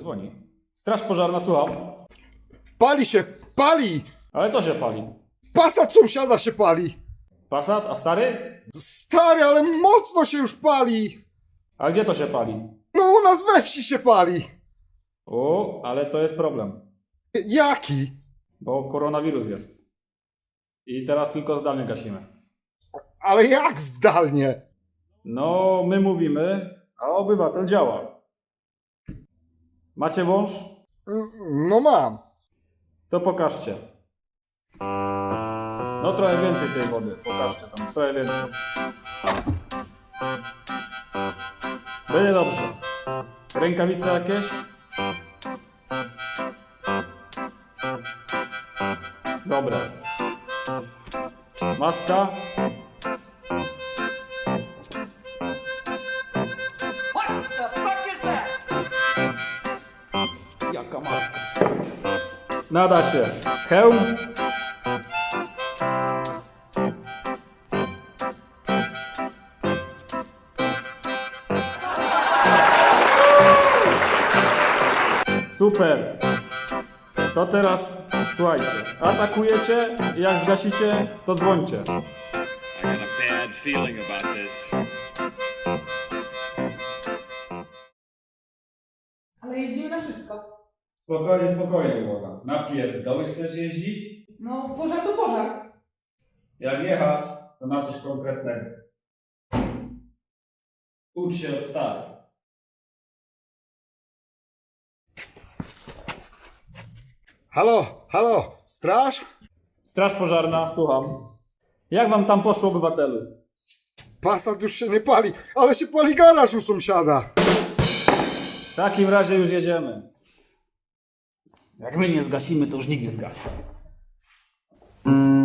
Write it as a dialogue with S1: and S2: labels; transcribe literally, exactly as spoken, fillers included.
S1: dzwoni. Straż pożarna, słucham.
S2: Pali się, pali!
S1: Ale co się pali?
S2: Passat sąsiada się pali!
S1: Passat, a stary?
S2: Stary, ale mocno się już pali!
S1: A gdzie to się pali?
S2: No u nas we wsi się pali!
S1: O, ale to jest problem,
S2: Jaki?
S1: bo koronawirus jest. I teraz tylko zdalnie gasimy.
S2: Ale jak zdalnie?
S1: No, my mówimy, a obywatel działa. Macie wąż?
S2: No mam.
S1: To pokażcie. No trochę więcej tej wody. Pokażcie tam, trochę więcej. Będzie dobrze. Rękawice jakieś? Dobra. Maska?
S3: What the fuck is that?
S1: Jaka maska? Nada się. Hełm? Super. To teraz słuchajcie. Atakujecie i jak zgasicie, to dzwońcie.
S4: I got a bad feeling about this.
S5: Ale jeździmy na wszystko.
S1: Spokojnie, spokojnie, młoda. Na pierdoły chcesz jeździć?
S5: No, pożar to pożar.
S1: Jak jechać, to na coś konkretnego. Ucz się od starych.
S2: Halo, halo, straż?
S1: Straż pożarna, słucham. Jak wam tam poszło, obywatelu?
S2: Passat już się nie pali, ale się pali garaż u sąsiada.
S1: W takim razie już jedziemy. Jak my nie zgasimy, to już nikt nie zgasi.